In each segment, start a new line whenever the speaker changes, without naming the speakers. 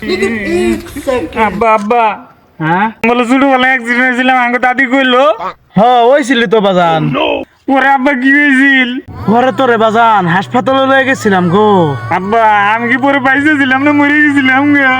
আব্বা আব্বা
হ্যাঁ
বলে ছোটবেলা অ্যাক্সিডেন্ট হয়েছিলাম আমাকে দাদি কইলো
হয়েছিলি তো বাজান।
ওরে আব্বা কি হয়েছিল?
ঘরে তোরে বাজান হাসপাতালে লয়ে গেছিলাম গো।
আব্বা আমি কি পরে পাইছিলাম না মরে গেছিলাম গা?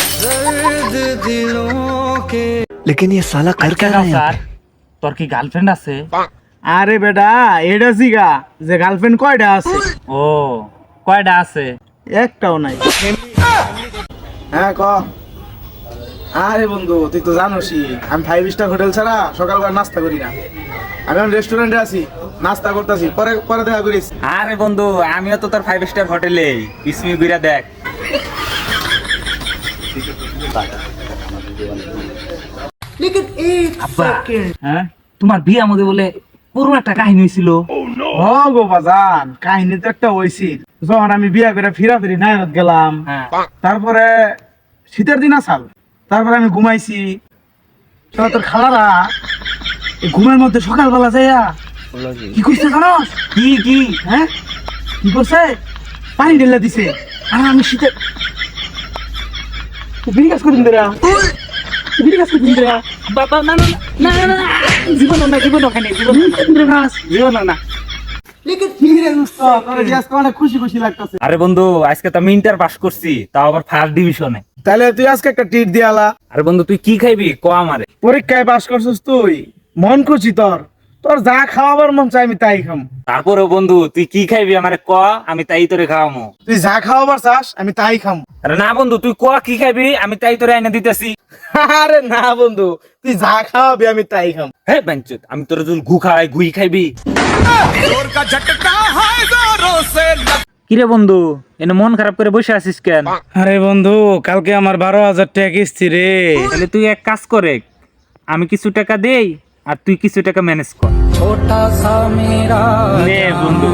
लेकिन ये साला कर क्या रहा है यहाँ पे?
তোর কি গার্লফ্রেন্ড আছে?
আরে বেটা এটা জিগা যে গার্লফ্রেন্ড কয়টা আছে?
ও কয়টা আছে?
একটাও নাই। হ্যাঁ ক। আরে বন্ধু তুই তো জানোসই আমি 5 স্টার হোটেল ছাড়া সকালবেলা নাস্তা করি না। আমি এখন রেস্টুরেন্টে আছি, নাস্তা করতেছি, পরে পরে দেখা করিস।
আরে বন্ধু আমিও তো তোর 5 স্টার হোটেলে বিসমি ঘুরা দেখ। আব্বা
হ্যাঁ
তোমার বিয়ে মধ্যে বলে পুরো একটা কাহিনী হয়েছিল।
ও গো বাজান কাহিনী তো একটা হইছিল। যখন আমি বিয়া করে ফিরি নায়ত গেলাম,
হ্যাঁ
তারপরে শীতের দিন আসাল, তারপরে আমি ঘুমাইছি। তোর খালারা এই ঘুমের মধ্যে সকালবেলা যাইয়া কি করছে জানোস?
কি কি?
হ্যাঁ কি করছে? পানি ঢেলে দিছে। আর আমি শীতে বিড়ি কাজ করি দেরা বিড়ি কাজ করি দেরা
বাবা না না না না না জীবন না জীবন ওখানে জীবন জীবন না।
অনেক খুশি খুশি লাগতেছে।
আরে বন্ধু আজকে তো আমি ইন্টার পাস করছি, তাও আবার ফার্স্ট ডিভিশনে।
তাহলে তুই আজকে একটা টিট দিয়ালা।
আরে বন্ধু তুই কি খাইবি ক আমারে?
পরীক্ষায় পাস করছিস তুই, মন খুশি তোর, তোর যা খাওয়াবার মন চাই আমি তাই খাম।
তারপরে বন্ধু তুই কি খাইবি আমারে ক, আমি তাই তোরে খাওয়ামু।
তুই যা খাওয়াবার চাস আমি তাই খাম।
আরে না বন্ধু তুই ক কি খাইবি, আমি তাই তোরে আইনা দিতেছি।
আরে না বন্ধু তুই যা খাওয়াবি আমি তাই খাম।
হে বাঞ্চুত আমি তোরে যদি গু খাওয়াই গুই খাইবি? কিরে বন্ধু এনে মন খারাপ করে বসে আছিস কেন?
আরে বন্ধু কালকে আমার 12,000 টাকা কিস্তি রে।
তাহলে তুই এক কাজ করে, আমি কিছু টাকা দেই আর তুই কিছু টাকা ম্যানেজ কর। নে বন্ধু।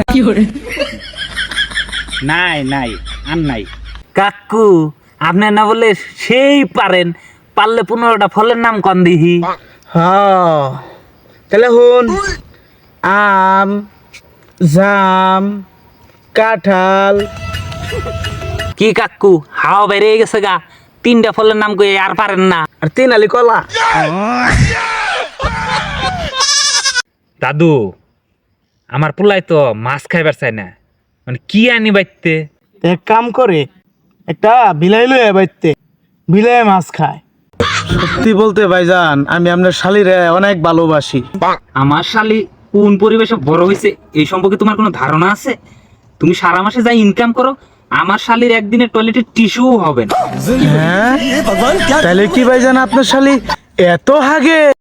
নাই নাই আর নাই। কাকু আপনি না বলে সেই পারেন, পারলে 15টা ফলের নাম কন দিহি।
হ্যাঁ তাহলে হুন, আম, জাম, কাঁঠাল।
কি কাকু হাওয়া বাইরে গেছে গা, 3টা ফলের নাম কই আর পারেন না?
আর 3 আলি কলা।
দাদু আমার পোলাই তো মাছ খাইবার চাই না, মানে কি আনি বাইতে?
এক কাম করে একটা বিলাই লয়ে বাইতে, বিলাই মাছ খায়। সত্যি বলতে ভাইজান আমি আপনার শালিরে অনেক ভালোবাসি।
আমার শালি কোন পরিবেশে বড় হয়েছে এই সম্পর্কে তোমার কোনো ধারণা আছে? তুমি সারা মাসে যাই ইনকাম করো, আমার শালির একদিনের টয়লেটের টিস্যু হবে না।
হ্যাঁ তাহলে কি ভাইজান আপনার শালি এত হাগে?